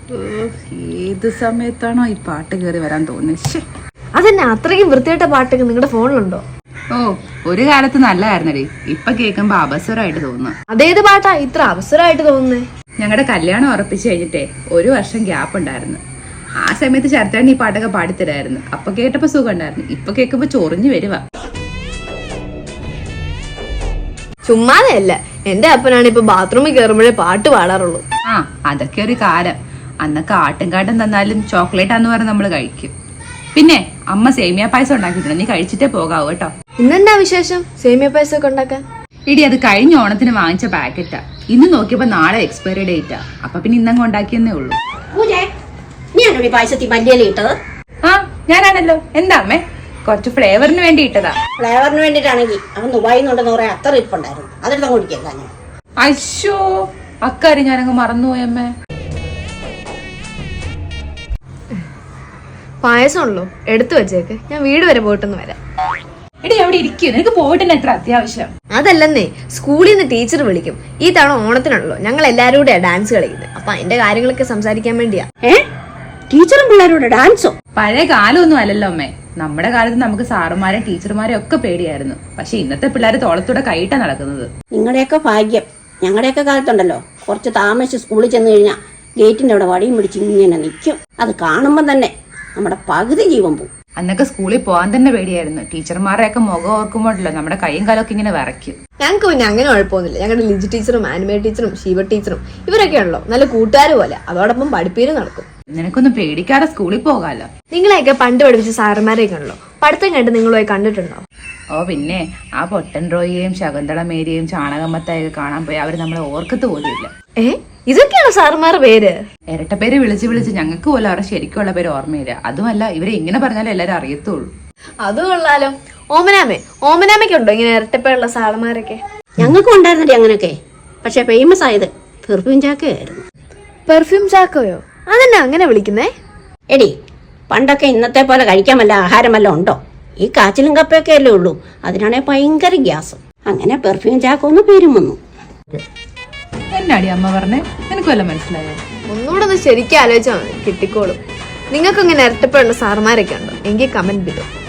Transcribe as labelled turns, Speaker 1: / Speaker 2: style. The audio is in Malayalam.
Speaker 1: ഏത് സമയത്താണോ ഈ പാട്ട് കയറി വരാൻ തോന്നുന്നത്?
Speaker 2: അതെന്നെ അത്രയ്ക്കും വൃത്തിയായിട്ട പാട്ടൊക്കെ നിങ്ങളുടെ ഫോണിലുണ്ടോ?
Speaker 1: ഓ, ഒരു കാലത്ത് നല്ലതായിരുന്നടി, ഇപ്പൊ കേൾക്കുമ്പോ അപസ്വരമായിട്ട് തോന്നുന്നു.
Speaker 2: അതേത് പാട്ടാ ഇത്ര അവസരമായിട്ട് തോന്നുന്നേ?
Speaker 1: ഞങ്ങളുടെ കല്യാണം ഉറപ്പിച്ചു കഴിഞ്ഞിട്ടേ 1 വർഷം ഗ്യാപ്പ് ഉണ്ടായിരുന്നു. ആ സമയത്ത് ശരത്തേണ്ണ ഈ പാട്ടൊക്കെ പാടിത്തരായിരുന്നു. അപ്പൊ കേട്ടപ്പോ സുഖം ഉണ്ടായിരുന്നു, ഇപ്പൊ കേൾക്കുമ്പോ ചൊറിഞ്ഞു വരുവാ.
Speaker 2: ചുമ്മാതെയല്ല, എന്റെ അപ്പനാണ് ഇപ്പൊ ബാത്റൂമിൽ കയറുമ്പോഴേ പാട്ട് പാടാറുള്ളൂ.
Speaker 1: ആ, അതൊക്കെ ഒരു കാലം. അന്നൊക്കെ ആട്ടുംകാട്ടം തന്നാലും ചോക്ലേറ്റ് ആന്ന് പറഞ്ഞ് നമ്മള് കഴിക്കും. പിന്നെ അമ്മ സേമിയ പായസം ഉണ്ടാക്കിയിട്ടുണ്ട്, നീ കഴിച്ചിട്ടേ പോകാവൂ കേട്ടോ.
Speaker 2: ഇന്നെന്താ വിശേഷം സേമിയ പായസം ഒക്കെ ഉണ്ടാക്കാൻ?
Speaker 1: ഇടി, അത് കഴിഞ്ഞ ഓണത്തിന് വാങ്ങിച്ച പാക്കറ്റാ. ഇന്ന് നോക്കിയപ്പോ നാളെ എക്സ്പയറി ഡേറ്റാ. അപ്പൊ പിന്നെ ഇന്നങ്ങ് ഉണ്ടാക്കിയെന്നേ ഉള്ളൂ.
Speaker 3: പായസത്തിൽ മല്ലിയില ഇട്ടത്?
Speaker 1: ആ, ഞാനാണല്ലോ. എന്താ അമ്മേ? കുറച്ച് ഫ്ലേവറിന് വേണ്ടി ഇട്ടതാ.
Speaker 3: ഫ്ലേവറിന് വേണ്ടിട്ടാണെങ്കിൽ അവൻ ദുബായിൽ നിന്നുണ്ടെന്ന് പറയാൻ അത്ര ഇരിപ്പുണ്ടായിരുന്നു. അതെടുത്ത് കുടിക്കല്ല ഞാൻ.
Speaker 1: അയ്യോ, അക്കാര്യം ഞാനങ്ങ് മറന്നുപോയി അമ്മേ.
Speaker 2: പായസം ഉള്ളൂ, എടുത്തു വെച്ചേക്ക്, ഞാൻ വീട് വരെ പോയിട്ടൊന്ന് വരാം.
Speaker 1: എടി, അവിടെ ഇരിക്കും, നിനക്ക് പോയിട്ടെന്നെ എത്ര അത്യാവശ്യം?
Speaker 2: അതല്ലെന്നേ, സ്കൂളിൽ നിന്ന് ടീച്ചർ വിളിക്കും. ഈ തവണ ഓണത്തിനുള്ളൂ ഞങ്ങൾ എല്ലാവരും കൂടെയാ ഡാൻസ് കളിക്കുന്നത്. അപ്പൊ അതിന്റെ കാര്യങ്ങളൊക്കെ സംസാരിക്കാൻ വേണ്ടിയാ.
Speaker 3: ടീച്ചറും പിള്ളേരോട് ഡാൻസോ?
Speaker 1: പഴയ കാലമൊന്നും അല്ലല്ലോ അമ്മേ. നമ്മുടെ കാലത്ത് നമുക്ക് സാറുമാരെ ടീച്ചർമാരെ ഒക്കെ പേടിയായിരുന്നു. പക്ഷെ ഇന്നത്തെ പിള്ളേര് തോളത്തൂടെ കൈയിട്ടാ നടക്കുന്നത്.
Speaker 3: നിങ്ങളുടെയൊക്കെ ഭാഗ്യം. ഞങ്ങളുടെയൊക്കെ കാലത്തുണ്ടല്ലോ, കുറച്ച് താമസിച്ച് സ്കൂളിൽ ചെന്ന് കഴിഞ്ഞാൽ ഗേറ്റിന്റെ അവിടെ വടിയും പിടിച്ച് ഇങ്ങനെ നിൽക്കും. അത് കാണുമ്പോൾ തന്നെ നമ്മുടെ പകുതി ജീവൻ പോകും.
Speaker 1: അന്നൊക്കെ സ്കൂളിൽ പോകാൻ തന്നെ പേടിയായിരുന്നു. ടീച്ചർമാരെയൊക്കെ മുഖം ഓർക്കുമ്പോഴല്ലോ നമ്മുടെ കൈയും കാലമൊക്കെ ഇങ്ങനെ വിറയ്ക്കും.
Speaker 2: ഞങ്ങൾക്ക് പിന്നെ അങ്ങനെ കുഴപ്പമൊന്നുമില്ല. ഞങ്ങളുടെ ലിജി ടീച്ചറും ആനിമേ ടീച്ചറും ശിവ ടീച്ചറും ഇവരൊക്കെ ഉള്ളോ നല്ല കൂട്ടുകാർ പോലെ. അതോടൊപ്പം പഠിപ്പീരും നടക്കും.
Speaker 1: നിനക്കൊന്നും പേടിക്കാതെ സ്കൂളിൽ പോകാലോ.
Speaker 2: നിങ്ങളെയൊക്കെ പണ്ട് പഠിപ്പിച്ച സാറന്മാരെയൊക്കെ ഉള്ളോ? പഠിത്തം കണ്ട് നിങ്ങളുമായി കണ്ടിട്ടുണ്ടോ?
Speaker 1: ഓ പിന്നെ, ആ പൊട്ടൻ റോയിയെയും ശകുന്തള മേരിയെയും ചാണകമ്മത്തായൊക്കെ കാണാൻ പോയി അവര് നമ്മളെ ഓർക്കത്ത് പോലും ഇല്ല.
Speaker 2: ഇതൊക്കെയാണ് സാറുമാരുടെ പേര്?
Speaker 1: ഇരട്ട പേര് വിളിച്ച് വിളിച്ച് ഞങ്ങൾക്ക് പോലും അവരുടെ ശരിക്കുള്ള പേര് ഓർമ്മയില്ല. അതുമല്ല, ഇവരെ ഇങ്ങനെ പറഞ്ഞാലും എല്ലാരും അറിയത്തുള്ളൂ.
Speaker 2: അത് കൊള്ളാലോ. ഓമനാമയ്ക്കുണ്ടോ ഇങ്ങനെ ഇരട്ടപ്പേരുള്ള സാറുമാരൊക്കെ?
Speaker 3: ഞങ്ങൾക്കും ഉണ്ടായിരുന്നല്ലേ അങ്ങനെയൊക്കെ. പക്ഷെ ഫേമസ് ആയത് പെർഫ്യൂം ചാക്കയായിരുന്നു.
Speaker 2: പെർഫ്യൂം ചാക്കോയോ? അതെന്നാ അങ്ങനെ വിളിക്കുന്നേ?
Speaker 3: എടി, പണ്ടൊക്കെ ഇന്നത്തെ പോലെ കഴിക്കാൻ വല്ല ആഹാരം വല്ല ഉണ്ടോ? ഈ കാച്ചിലും കപ്പയൊക്കെ അല്ലേ ഉള്ളൂ. അതിനാണെ ഭയങ്കര ഗ്യാസ്. അങ്ങനെ പെർഫ്യൂം ചാക്കോന്ന് പേരും വന്നു.
Speaker 1: എന്നാടി അമ്മ പറഞ്ഞേ? നിനക്ക് വല്ല മനസ്സിലായോ?
Speaker 2: ഒന്നുകൂടെ ഒന്ന് ശരിക്കും ആലോചിച്ചാൽ മതി, കിട്ടിക്കോളും. നിങ്ങൾക്ക് ഇങ്ങനെ ഇരട്ടപ്പേരുള്ള സാറുമാരൊക്കെ ഉണ്ടോ? എങ്കിൽ കമന്റ് ചെയ്തോ.